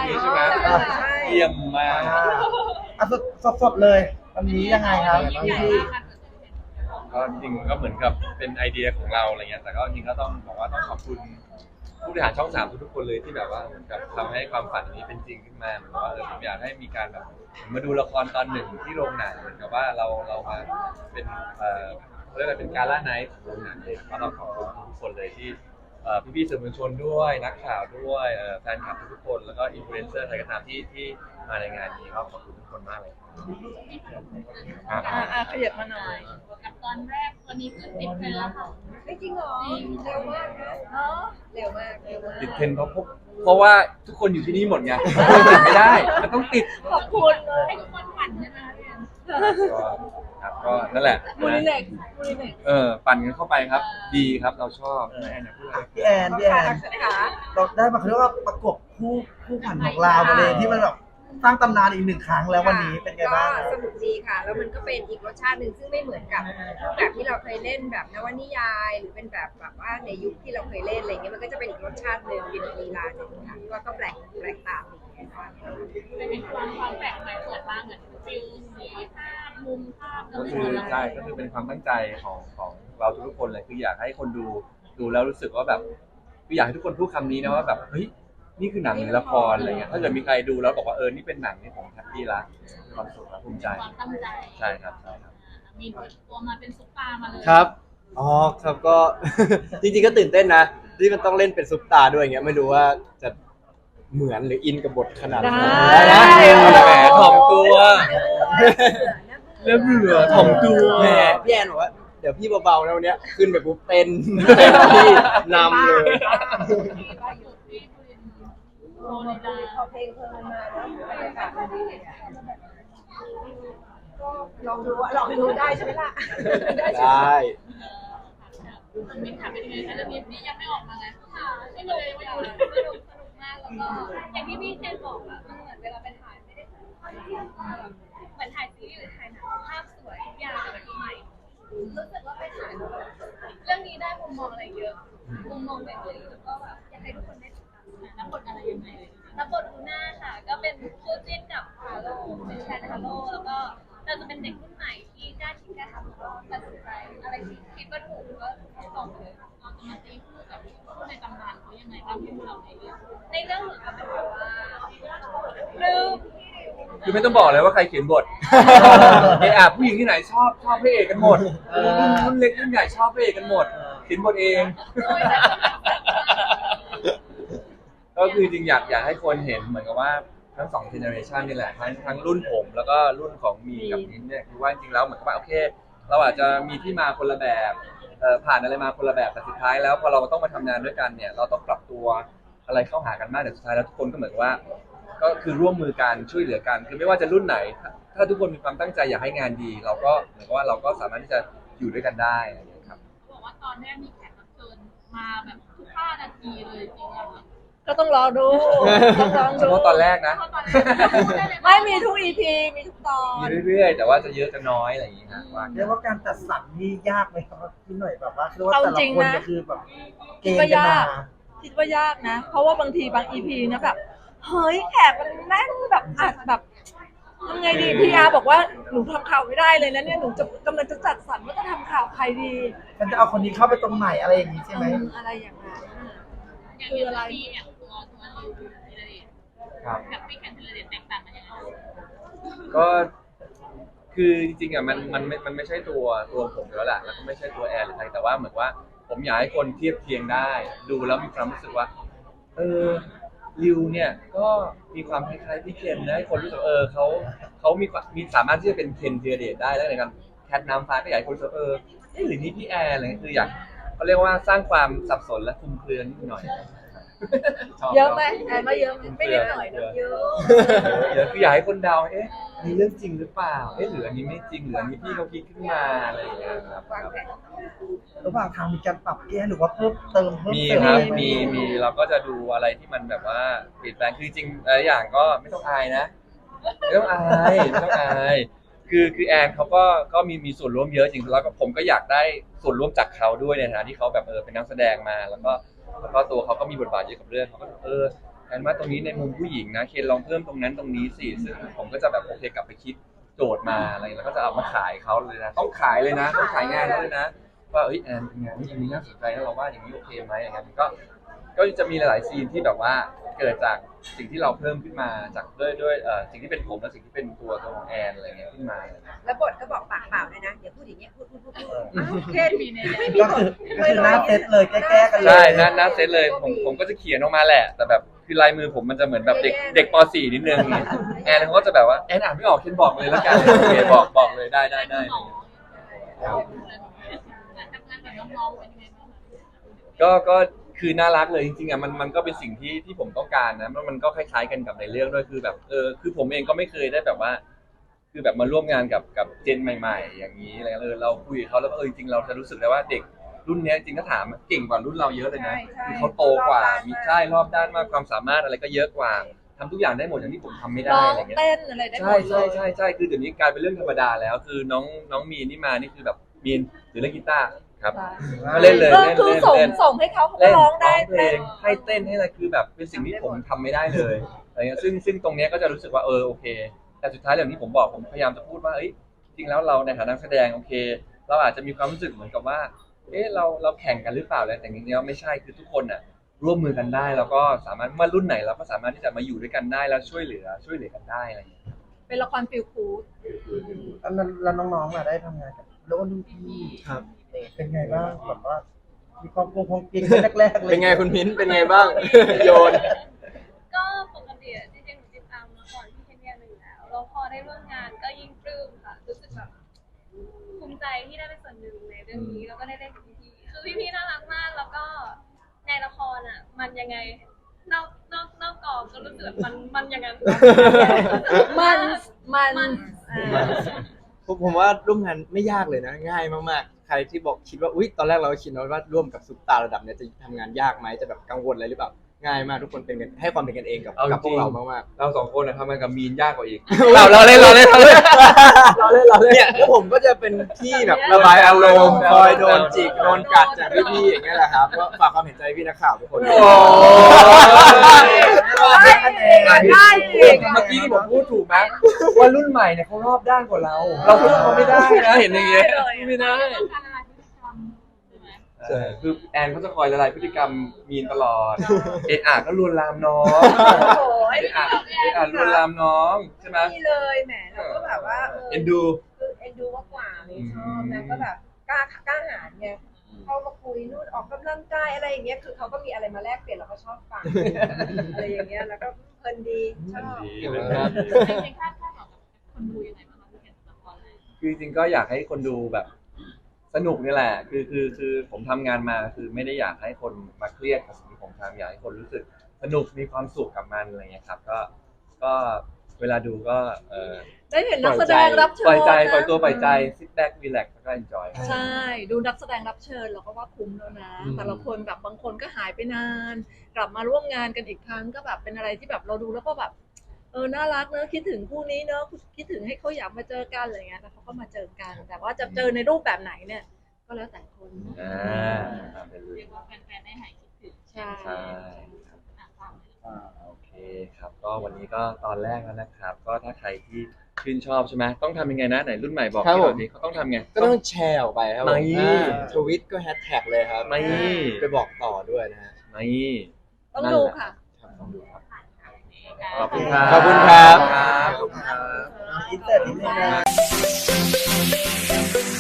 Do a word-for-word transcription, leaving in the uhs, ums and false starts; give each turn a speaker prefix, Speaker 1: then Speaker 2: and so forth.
Speaker 1: ใช่ไหม
Speaker 2: ใช่
Speaker 1: เยี่ยมมาก
Speaker 3: อ่ะสดสดๆเลยวันนี้ยังไงครับ
Speaker 2: ยิ่งใหญ่
Speaker 3: พี่
Speaker 2: มากค่ะ
Speaker 1: ก็จริงก็เหมือนกับเป็นไอเดียของเราอะไรเงี้ยแต่ก็จริงก็ต้องบอกว่าต้องขอบคุณผู้บริหารช่องสามทุกๆคนเลยที่แบบว่าเหมือนกับทำให้ความฝันนี้เป็นจริงขึ้นมาเหมือนกับว่าเออผมอยากให้มีการแบบมาดูละครตอนหนึ่งที่โรงหนังเหมือนกับว่าเราเรามาเป็นเอ่อเขาเรียกอะไรเป็นการล่าไนท์ของโรงหนังเลยก็ต้องขอบคุณทุกคนเลยที่เอ่อพี่ๆสื่อมวลชนด้วยนักข่าวด้วยเอ่อแฟนคลับทุกๆคนแล้วก็อินฟลูเอนเซอร์ใครก็ตามที่ที่มาในงานนี้ก็ขอบคุณทุกคนมากเลยอ่ะ
Speaker 4: อ่าอ่าขยับมาหน่อย
Speaker 2: กับตอนแรกตอนนี้คือติดไปแล้วค่ะ
Speaker 5: ไม่จริงเหรอเร็วมากนะเออเร็วมากเร็วมาก
Speaker 1: ติดเทรนด์เพราะพวกเพราะว่าทุกคนอยู่ที่นี่หมดไงติดไม่ได้มันต้องติด
Speaker 4: ขอบคุณเลย
Speaker 2: ให้ทุกคนฝันใช่ไหมพี่แอน
Speaker 1: ก็ครับก็นั่นแหละ
Speaker 4: มูนิเล็กมูนิเล็ก
Speaker 1: เออปั่นกันเข้าไปครับ ดีครับเราชอบแอนพูดอะไร
Speaker 3: พี่แอนพี่แอน
Speaker 5: ค่ะ
Speaker 3: เราได้มาเขาเรียกว่าประกบคู่คู่ขวัญของเรามาเลยที่มันแบบสร้างตำนานอีกหนึ่งครั้งแล้ววันนี้เป็นไงบ้างค
Speaker 5: ก็
Speaker 3: รับ
Speaker 5: สนุกดีค่ะ แล้วมันก็เป็นอีกรสชาติหนึ่งซึ่งไม่เหมือนกับรูปแบบที่เราเคยเล่นแบบนวนิยาย หรือเป็นแบบแบบว่าในยุคที่เราเคยเล่นอะไรเงี้ยมันก็จะเป็นอีกรสชาติหนึ่งเป็นอีกลีลาหนึ่งค่ะที่ว่าก็แปลกแปลกตาดีค่ะ
Speaker 2: เป็นความความแปลกใหม่สวยมากเหมือนฟิลสีภาพมุมภาพ
Speaker 1: ก็คือใช่ก็คือเป็นความตั้งใจของของเราทุกคนเลยคืออยากให้คนดูดูแล้วรู้สึกว่าแบบคืออยากให้ทุกคนพูดคำนี้นะว่าแบบเฮ้ยนี่คือหนังหรือละครอะไรเงี้ยถ้าเกิดมีใครดูแล้วบอกว่าเออนี่เป็นหนังนี่ผมแฮปปี้ละมีความสุขและภูมิใจ
Speaker 2: ความตั้งใจ
Speaker 1: ใช่ครับใช่ครับ
Speaker 2: มีตัวมาเป็นซุปตามาเลย
Speaker 6: ครับ อ๋อ ครับก็ จริงๆก็ตื่นเต้นนะ ที่มันต้องเล่นเป็นซุปตาร์ด้วยอย่างเงี้ย ไม่รู้ว่าจะเหมือนหรืออินกับบทขนาดไหน
Speaker 4: ได้
Speaker 6: นะ
Speaker 1: แหมถ่อมตัวแล้วเบื่อถ่อมตัว
Speaker 6: แหมพี่แอนบอกว่า เดี๋ยวพี่เบาๆแล้ววันเนี้ย ขึ้นไปปุ๊บเต้นเต้นที่นำเลย
Speaker 2: ที่ล่าสุดที่คุณโรนิดา
Speaker 5: พอเพลงเพลินมาแล้วบรรยากาศมันดีก็ลองดูอะลองดูได้ใช่ไหมล่ะได้ใช่
Speaker 6: ได้
Speaker 2: มันมินถามเป็นยังไงคะเรื่องนี้นี่ยังไม่ออกมาไงค่ะที่เลยว่าอยู่สนุกสนุกมากแล้วก็อย่างที่พี่เจนบอกอะมันเหมือนเวลาไปถ่ายไม่ได้ถ่ายเหมือนถ่ายซีรีส์หรือถ่ายหนังภาพสวยทุกอย่างแบบใหม่รู้สึกว่าไปถ่ายแล้วเรื่องนี้ได้มุมมองอะไรเยอะมุมมองใหม่ๆแล้วก็แบบอยากให้ทุกคนได้ติดตามรับบทอะไรยังไงเลยรับบทลูน่าค่ะ ก็เป็นคู่จิ้นกับฮาโลเป็นแฟนฮาโลแล้วก็เราจะเป็นเด็กรุ่นใหม่ที่กล้าคิดกล้าทำแล้วก็ตัดสินใจอะไรที่คิดว่าถูกก็ตรงเลยเราจะมาตีคู่กับคู่ในตำนานเขายังไงบ้างที่เราในเรื่องในเรื่องเหมือนกับเป็นแบบว่าลืม
Speaker 1: คือไม่ต้องบอกเลยว่าใครเขียนบทเออผู้หญิงที่ไหนชอบชอบพระเอกกันหมดรุ่นเล็กรุ่นใหญ่ชอบพระเอกกันหมดเขียนบทเอง ก็คือจริงอยากอยากให้คนเห็นเหมือนกับว่าทั้งสองเจเนอเรชันนี่แหละทั้งทั้งรุ่นผมแล้วก็รุ่นของมีกับมิ้นเนี่ยคือว่าจริงๆแล้วเหมือนกับว่าโอเค เราอาจจะมีที่มาคนละแบบเอ่อผ่านอะไรมาคนละแบบแต่สุดท้ายแล้วพอเราต้องมาทำงานด้วยกันเนี่ยเราต้องปรับตัวอะไรเข้าหากันมากแต่สุดท้ายแล้วทุกคนก็เหมือนว่า ก็คือร่วมมือกันช่วยเหลือกันคือไม่ว่าจะรุ่นไหน ถ้าถ้าทุกคนมีความตั้งใจอยากให้งานดี เราก็เหมือนกับว่าเราก็สามารถที่จะอยู่ด้วยกันได้อะไรอย่างเงี้ยครับ
Speaker 2: บอกว่าตอนแรกมีแขกรับเชิญมาแบบทุกห้านาทีเลยจริงๆอะค่ะ
Speaker 4: ก็ต้องรอดูต้องลอง
Speaker 1: เฉ
Speaker 4: ดู
Speaker 1: พาะตอนแรกนะ
Speaker 2: เพราะตอนแรกพูดด้เลย
Speaker 4: ไม่มีทุกอีพีมีทุกตอน
Speaker 1: มีเรื่อยๆ แต่ว่าจะเยอะจะน้อยอะไรอย่างเงี้ยฮะว่า
Speaker 3: เรียกว่าการจัดสรรนี่ยากไหมครับพี่หน่อยแบบว่าคือว่าแต่ละคนก็คือแบบเก
Speaker 4: คิด
Speaker 3: ณฑ์
Speaker 4: ว่า
Speaker 3: กัน
Speaker 4: ยาม
Speaker 3: าก
Speaker 4: คิดว่ายากนะ เพราะว่าบางทีบางอีพีนะแบบเฮ้ยแขกมันแน่นแบบอัดแบบทำไงดีพีอาร์บอกว่าหนูทำข่าวไม่ได้เลยนะเนี่ยหนูจะกำลังจะจัดสรรว่าจะทำข่าวใครดี
Speaker 3: มันจะเอาคนนี้เข้าไปตรงไหนอะไรอย่างนี้ใช่ไหม
Speaker 4: อืมอะไรอย่างนั้นน่ะ
Speaker 2: อย่างที่เรามีอย่างตัวตัวริวธีรเดช
Speaker 1: ครับ
Speaker 2: กับพี่แคนธีรเดชแตกต่างกันยังไง
Speaker 1: ก็คือจริงๆอ่ะมันมันไม่มันไม่ใช่ตัวตัวผมอยู่แล้วแหละแล้วก็ไม่ใช่ตัวแอนหรือใครแต่ว่าเหมือนว่าผมอยากให้คนเทียบเคียงได้ ดูแล้วมีความรู้สึกว่า เออริวเนี่ยก็มีความคล้ายๆพี่เคนนะให้คนรู้สึกเออเขาเขามีความมีสามารถที่จะเป็นเคนธีรเดชได้แล้วในการแคทน้ำฟ้าก็อยากให้คนรู้สึกเออเอ๊ะหรือนี่พี่แอนอะไรเงี้ยคืออยากเขาเรียกว่าสร้างความสับสนและคลุมเครือนิดหน่อยชบ
Speaker 4: เยอะไหมแอนว่าเยอะไหมไม่นิดหน่อยนะเยอะ
Speaker 1: เดี๋ยวคืออยากให้คนเดาเอ๊ะมีเรื่องจริงหรือเปล่าเอ๊ะหรืออันนี้ไม่จริงหรืออันนี้พี่เขาคิดขึ้นมาอะไรอย่างเงี้ยครับ
Speaker 5: วางแผน
Speaker 3: ระหว่างทางมีการปรับแก้หรือว่าเพิ่มเติมเพิ่ม
Speaker 1: มี
Speaker 3: เติม
Speaker 1: ครับ
Speaker 3: ไห
Speaker 1: มีมีเราก็จะดูอะไรที่มันแบบว่าเปลี่ยนแปลงคือจริงหลายอย่างก็ไม่ต้องอายนะไม่ต้องอายไม่ต้องอายคือคือแอนเขาก็ก็มีมีส่วนร่วมเยอะจริงแล้วก็ผมก็อยากได้ส่วนร่วมจากเขาด้วยในฐานะที่เขาแบบเออเป็นนักแสดงมาแล้วก็แล้วก็ตัวเขาก็มีบทบาทเยอะกับเรื่องเขาก็เออแอนว่าตรงนี้ในมุมผู้หญิงนะเคนลองเพิ่มตรงนั้นตรงนี้สิซึ่งผมก็จะแบบโอเคกลับไปคิดโจทย์มาอะไรแล้วก็จะเอามาขายเขาเลยนะต้องขายเลยนะต้องขายงานเขาเลยนะว่าเอ้ยแอนเป็นงานที่อันนี้น่าสนใจแล้วเราว่าอย่างนี้โอเคไหมอย่างเงี้ยมันก็ก็จะมีหลายๆซีนที่แบบว่าเกิดจากสิ่งที่เราเพิ่มขึ้นมาจากด้วยด้วยเอ่อสิ่งที่เป็นผมและสิ่งที่เป็นตัวตัวของแอนอะไรเงี้ยขึ้นมา
Speaker 5: แล้วบทก็บอกปากเปล่าเลยนะอย่าพูดอย่างเงี้ยพูดพูดพูดพูดอ้าวเคนมีไม่มี
Speaker 3: ก็
Speaker 5: บท
Speaker 3: คือก็คือหน้าเซตเลยแก้ๆกันเลย
Speaker 1: ใช่หน้าหน้าเซตเลยผมผมก็จะเขียนออกมาแหละ แต่แบบคือลายมือผมมันจะเหมือนแบบเด็กเด็กป .สี่ นิดนึงแอนเขาก็จะแบบว่าแอนอ่านไม่ออกเคนบอกเลยแล้วกันโอเคบอกบอกเลยได้ได้ได้
Speaker 2: ทำงานกับน้องๆเป็นยังไงบ้างคะ
Speaker 1: ก็ก็คือน่ารักเลยจริงๆอ่ะมันมันก็เป็นสิ่งที่ที่ผมต้องการนะมันมันก็คล้ายๆกันกับในเรื่องด้วยคือแบบเออคือผมเองก็ไม่เคยได้แบบว่า คือแบบมาร่วมงานกับกับเจนใหม่ ๆ อย่างนี้อะไรเออเราคุยกับเขาแล้วก็เออจริงๆเราจะรู้สึกได้ว่าเด็กรุ่นนี้จริงๆถ้าถามเก่งกว่ารุ่นเราเยอะเลยนะคือเขาโตกว่ามีใช่รอบด้านมากความสามารถอะไรก็เยอะกว่าทำทุกอย่างได้หมดอย่างที่ผมทำไม่ได้
Speaker 4: ร้อง
Speaker 1: อะไรเงี้ย
Speaker 4: เต้นอะไรได้หม
Speaker 1: ใช่
Speaker 4: ดเล
Speaker 1: ใช่
Speaker 4: ย
Speaker 1: ใช่ใช่คือเดี๋ยวนี้กลายเป็นเรื่องธรรมดาแล้ว คือน้องน้องมีนนี่มานี่คือแบบมีนหรือเล่นกีตาร์ครับก็เล่นเลย
Speaker 4: ก็
Speaker 1: เล่น
Speaker 4: คือ
Speaker 1: เล่น
Speaker 4: ส่ง
Speaker 1: เล่น
Speaker 4: ส่งให้เขาเขาก็
Speaker 1: เล่น
Speaker 4: ร้องได้
Speaker 1: เพล
Speaker 4: เต้น
Speaker 1: งให้เต้นให้อะไรคือแบบเป็นสิ่งที่ผมทำไม่ได้เลยอะไรเงี้ยซึ่งซึ่งตรงเนี้ยก็จะรู้สึกว่าเออโอเค แต่สุดท้ายอย่างที่ผมบอกผมพยายามจะพูดว่าเอ้ยจริงแล้วเราในฐานะนักแสดงโอเค เราอาจจะมีความรู้สึกเหมือนกับว่าเอ๊ะเราเราแข่งกันหรือเปล่าอะไรแต่จริงๆแล้วไม่ใช่คือทุกคนน่ะร่วมมือกันได้แล้วก็สามารถเมื่อรุ่นไหนเราก็สามารถที่จะมาอยู่ด้วยกันได้แล้วช่วยเหลือช่วยเหลือกันได้อะไรอย่างเงี้ย
Speaker 4: เป็นละครฟิลกูด
Speaker 3: แล้วแล้วน้องๆล่ะได้ทำงานกับโลกรุ่นพี่
Speaker 6: ครับ
Speaker 3: เป็นไงบ้างแบบว่ามีความกลัวความเกรงแรกๆเลย
Speaker 6: เป็นไงคุณมิ้นเป็นไงบ้าง โยน
Speaker 2: ก็ปกติอะจริงๆหนูติดตามมาก่อนที่เคนยาหนึ่งแล้วแล้วพอได้ร่วมงานก็ยิ่งปลื้มค่ะรู้สึกแบบภูมิใจที่ได้เป็นส่วนหนึ่งในเรื่องนี้แล้วก็ได้เล่นกับพี่ๆคือพี่ๆน่ารักมากแล้วก็ในละครอ่ะ มันยังไงนอกนอกนอกกองก็รู้สึกแบบมันมันอย่างนั้น
Speaker 4: มันมัน
Speaker 2: มัน
Speaker 4: อ่า
Speaker 6: ผมผมว่าร่วมงานไม่ยากเลยนะง่ายมากๆ ใครที่บอกคิดว่าอุ๊ยตอนแรกเราคิดนะว่าร่วมกับซุปตาระดับเนี้ยจะทำงานยากไหมจะแบบกังวลอะไรหรือเปล่าง่ายมากทุกคนเป็นกันให้ความเป็นกันเองกับ
Speaker 1: เอาจริง
Speaker 6: กับพวกเรามาก
Speaker 1: เราสองคนนะทำงานกับมีนยากกว่าอีก
Speaker 6: ๆเราเราเล่นเราเล่นเราเล่นเราเล่นเราเล่นเนี่ยแล้วผมก็จะเป็นที่แบบระบายอารมณ์คอยโดนจิกโดนกัดจากพี่ๆอย่างเงี้ยแหละครับก็ฝากความเห็นใจพี่นักข่าวทุกคน
Speaker 1: โอ้
Speaker 3: ได้คะแนน
Speaker 4: ได้จริง
Speaker 1: เมื่อกี้ที่ผมพูดถูกไหมว่ารุ่นใหม่เนี่ยเขารอบด้านกว่าเรา เราสู้เขาไม่ได้นะเห็นอย่างเงี้ยไม่ได้
Speaker 2: ต้องการอะไรพฤติกรรมใช่ไหม
Speaker 1: ใช่คือแอนเขาจะคอยละลายพฤติกรรมมีนตลอด เอะอะก็ลวนลามน้อง
Speaker 5: โอ้ย
Speaker 1: เอะอะเอะอะลวนลามน้องใช่ไหม
Speaker 5: นี่เลยแหมเราก็แบบว่าเออ
Speaker 1: เอ็นดู
Speaker 5: คือเอ็นดูมากกว่าเลยชอบนะก็แบบกล้ากล้าหาญไงเข้ามาคุยนู่นออกกำลังกายอะไรอย่างเงี้ยคือเขาก็มีอะไรมาแลกเปลี่ยนเราก็ชอบฟังอะไรอย่างเงี้ยแล้วก็เพลินดีชอบ
Speaker 2: ในคาดคาดหวังกับคนดูยังไงบ้างคะพี่เคนละครเลย
Speaker 1: คือจริงๆก็อยากให้คนดูแบบสนุกนี่แหละ คือคือคือผมทำงานมาคือไม่ได้อยากให้คนมาเครียดกับสิ่งที่ผมทำอยากให้คนรู้สึกสนุกมีความสุขกับมันอะไรเงี้ยครับ ก็ก็เวลาดูก็เออ
Speaker 4: ได้เห็นนักแสดงรับเชิญ
Speaker 1: ปล่อยใจ
Speaker 4: นะ
Speaker 1: ปล่อยตัวปล่อยใจ sit back relax แล้วก็ enjoy
Speaker 4: ใช่ ดูนักแสดงรับเชิญเราก็ว่าคุ้มแล้วนะ
Speaker 6: อืม
Speaker 4: แต่ละคนแบบบางคนก็หายไปนาน กลับมาร่วมงานกันอีกครั้งก็แบบเป็นอะไรที่แบบเราดูแล้วก็แบบเออน่ารักเนอะคิดถึงคู่นี้เนอะคิดถึงให้เขาอยากมาเจอกันอะไรเงี้ยแล้วเขาก็มาเจอกัน แต่ว่าจะเจอในรูปแบบไหนเนี่ย ก็แล้วแต่คน
Speaker 1: อ่าตามไปเลย
Speaker 2: เรียกว่าแฟนๆได้หายคิดถึง
Speaker 4: ใช่
Speaker 1: ใช่ครับ
Speaker 2: อ่ะฟังเลย
Speaker 3: อ่า
Speaker 1: โอเคครับ ก็วันนี้ก็ตอนแรกแล้วนะครับ ก็ถ้าใครที่ชื่นชอบใช่ไหมต้องทำยังไงนะไหนรุ่นใหม่บอก
Speaker 6: ครับ
Speaker 1: พี่หน่อ
Speaker 6: ผม
Speaker 1: ยดิเขาต้องทำไง
Speaker 6: ก็ต้องแชร์ออกไปครับผม
Speaker 1: ไม่
Speaker 6: ทวิตก็แฮชแท็กเลยครับ
Speaker 1: ไม่
Speaker 6: ไปบอกต่อด้วยนะฮะ
Speaker 1: ไม่
Speaker 4: ต้องดูค่ะ
Speaker 6: ครับต้องดูครับ
Speaker 1: ขอบคุณครับ
Speaker 6: ขอบคุณครับ
Speaker 1: ขอบคุณครับ
Speaker 3: อินเตอร์นิดนึงนะ